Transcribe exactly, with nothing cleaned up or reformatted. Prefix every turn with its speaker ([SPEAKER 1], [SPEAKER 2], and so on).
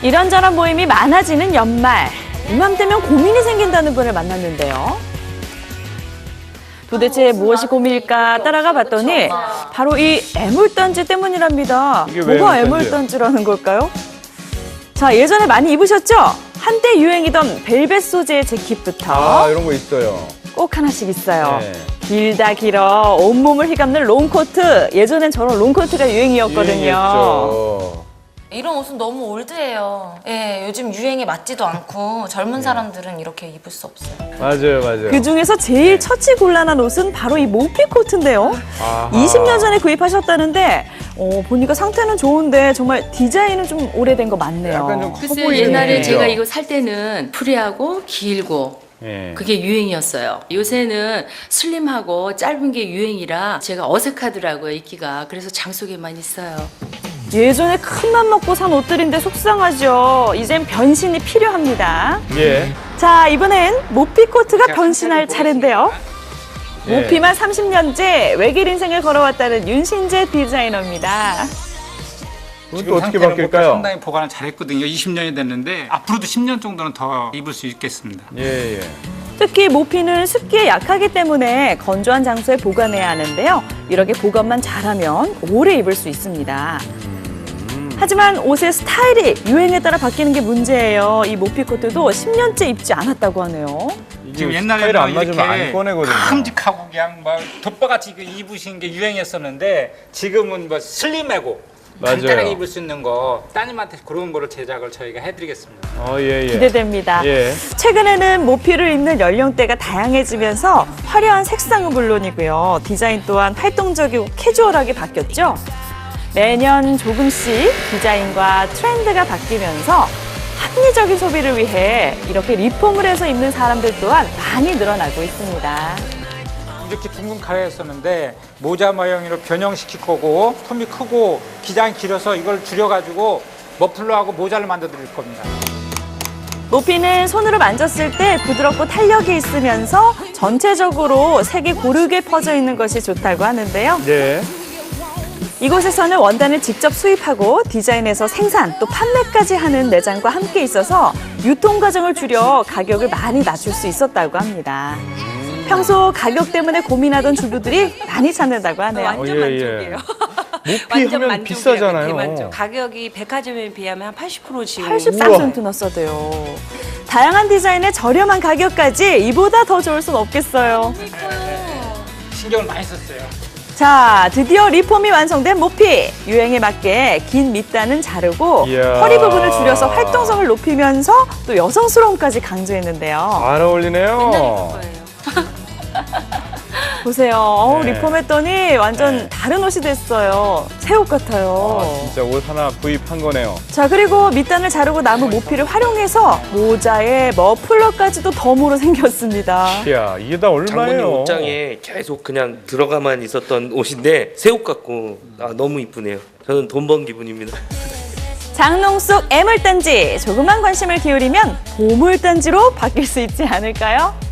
[SPEAKER 1] 이런저런 모임이 많아지는 연말. 이맘때면 고민이 생긴다는 분을 만났는데요. 도대체 무엇이 고민일까 따라가 봤더니 바로 이 애물단지 때문이랍니다.
[SPEAKER 2] 이게 왜
[SPEAKER 1] 뭐가
[SPEAKER 2] 애물단지예요?
[SPEAKER 1] 애물단지라는 걸까요? 자, 예전에 많이 입으셨죠? 한때 유행이던 벨벳 소재의 재킷부터
[SPEAKER 2] 아, 이런 거 있어요.
[SPEAKER 1] 꼭 하나씩 있어요.
[SPEAKER 2] 네.
[SPEAKER 1] 길다 길어 온몸을 휘감는 롱코트. 예전엔 저런 롱코트가 유행이었거든요.
[SPEAKER 2] 유행했죠.
[SPEAKER 3] 이런 옷은 너무 올드해요. 예, 요즘 유행에 맞지도 않고 젊은 사람들은 이렇게 입을 수 없어요.
[SPEAKER 2] 맞아요, 맞아요.
[SPEAKER 1] 그 중에서 제일 처치 곤란한 옷은 바로 이 모피 코트인데요.
[SPEAKER 2] 아하.
[SPEAKER 1] 이십 년 전에 구입하셨다는데 어, 보니까 상태는 좋은데 정말 디자인은 좀 오래된 거 맞네요.
[SPEAKER 2] 약간 좀 커
[SPEAKER 4] 글쎄
[SPEAKER 2] 보이는
[SPEAKER 4] 옛날에
[SPEAKER 2] 느낌이죠?
[SPEAKER 4] 제가 이거 살 때는 프리하고 길고
[SPEAKER 2] 예.
[SPEAKER 4] 그게 유행이었어요. 요새는 슬림하고 짧은 게 유행이라 제가 어색하더라고요, 입기가. 그래서 장속에만 있어요.
[SPEAKER 1] 예전에 큰 맘 먹고 산 옷들인데 속상하죠. 이젠 변신이 필요합니다.
[SPEAKER 2] 예.
[SPEAKER 1] 자, 이번엔 모피 코트가 변신할 차례인데요.
[SPEAKER 2] 예.
[SPEAKER 1] 모피만 삼십 년째 외길 인생을 걸어왔다는 윤신재 디자이너입니다.
[SPEAKER 2] 그건
[SPEAKER 5] 지금
[SPEAKER 2] 또 어떻게
[SPEAKER 5] 상태는
[SPEAKER 2] 바뀔까요?
[SPEAKER 5] 뭐 상당히 보관을 잘했거든요. 이십 년이 됐는데 앞으로도 십 년 정도는 더 입을 수 있겠습니다.
[SPEAKER 2] 예, 예.
[SPEAKER 1] 특히 모피는 습기에 약하기 때문에 건조한 장소에 보관해야 하는데요. 이렇게 보관만 잘하면 오래 입을 수 있습니다. 하지만 옷의 스타일이 유행에 따라 바뀌는 게 문제예요. 이 모피 코트도 십 년째 입지 않았다고 하네요.
[SPEAKER 2] 이게
[SPEAKER 5] 지금
[SPEAKER 2] 스타일 안
[SPEAKER 5] 옛날에는
[SPEAKER 2] 맞으면
[SPEAKER 5] 이렇게
[SPEAKER 2] 안 꺼내거든요.
[SPEAKER 5] 큼직하고 그냥 막 덮밥같이 입으신 게 유행했었는데 지금은 뭐 슬림하고
[SPEAKER 2] 맞아요.
[SPEAKER 5] 간단하게 입을 수 있는 거 따님한테 그런 거를 제작을 저희가 해드리겠습니다.
[SPEAKER 2] 어, 예, 예.
[SPEAKER 1] 기대됩니다.
[SPEAKER 2] 예.
[SPEAKER 1] 최근에는 모피를 입는 연령대가 다양해지면서 화려한 색상은 물론이고요. 디자인 또한 활동적이고 캐주얼하게 바뀌었죠. 매년 조금씩 디자인과 트렌드가 바뀌면서 합리적인 소비를 위해 이렇게 리폼을 해서 입는 사람들 또한 많이 늘어나고 있습니다.
[SPEAKER 5] 이렇게 둥근 가해였었는데 모자 모양으로 변형시킬 거고 폼이 크고 기장이 길어서 이걸 줄여가지고 머플러하고 모자를 만들어 드릴 겁니다.
[SPEAKER 1] 모피는 손으로 만졌을 때 부드럽고 탄력이 있으면서 전체적으로 색이 고르게 퍼져 있는 것이 좋다고 하는데요.
[SPEAKER 2] 예.
[SPEAKER 1] 이곳에서는 원단을 직접 수입하고 디자인에서 생산 또 판매까지 하는 매장과 함께 있어서 유통 과정을 줄여 가격을 많이 낮출 수 있었다고 합니다. 평소 가격 때문에 고민하던 주부들이 많이 찾는다고 하네요.
[SPEAKER 2] 어,
[SPEAKER 6] 완전
[SPEAKER 2] 예,
[SPEAKER 6] 만족이에요.
[SPEAKER 2] 모피
[SPEAKER 6] 완전
[SPEAKER 2] 하면
[SPEAKER 6] 만족이에요.
[SPEAKER 2] 비싸잖아요.
[SPEAKER 6] 대만족. 가격이 백화점에 비하면 한 팔십 퍼센트 지금
[SPEAKER 1] 팔십삼 센트나 써대요. 다양한 디자인의 저렴한 가격까지 이보다 더 좋을 순 없겠어요.
[SPEAKER 5] 신경을 많이 썼어요.
[SPEAKER 1] 자, 드디어 리폼이 완성된 모피. 유행에 맞게 긴 밑단은 자르고
[SPEAKER 2] 이야.
[SPEAKER 1] 허리 부분을 줄여서 활동성을 높이면서 또 여성스러움까지 강조했는데요.
[SPEAKER 2] 잘 어울리네요.
[SPEAKER 6] 거예요.
[SPEAKER 1] 보세요. 어우,
[SPEAKER 2] 네.
[SPEAKER 1] 리폼했더니 완전
[SPEAKER 2] 네.
[SPEAKER 1] 다른 옷이 됐어요. 새 옷 같아요.
[SPEAKER 2] 아, 진짜 옷 하나 구입한 거네요.
[SPEAKER 1] 자, 그리고 밑단을 자르고 남은 모피를 활용해서 모자에 머플러까지도 덤으로 생겼습니다.
[SPEAKER 2] 이야, 이게 다
[SPEAKER 7] 장모님
[SPEAKER 2] 얼마예요?
[SPEAKER 7] 옷장에 계속 그냥 들어가만 있었던 옷인데 새 옷 같고 아, 너무 이쁘네요. 저는 돈 번 기분입니다.
[SPEAKER 1] 장롱 속 애물단지. 조금만 관심을 기울이면 보물단지로 바뀔 수 있지 않을까요?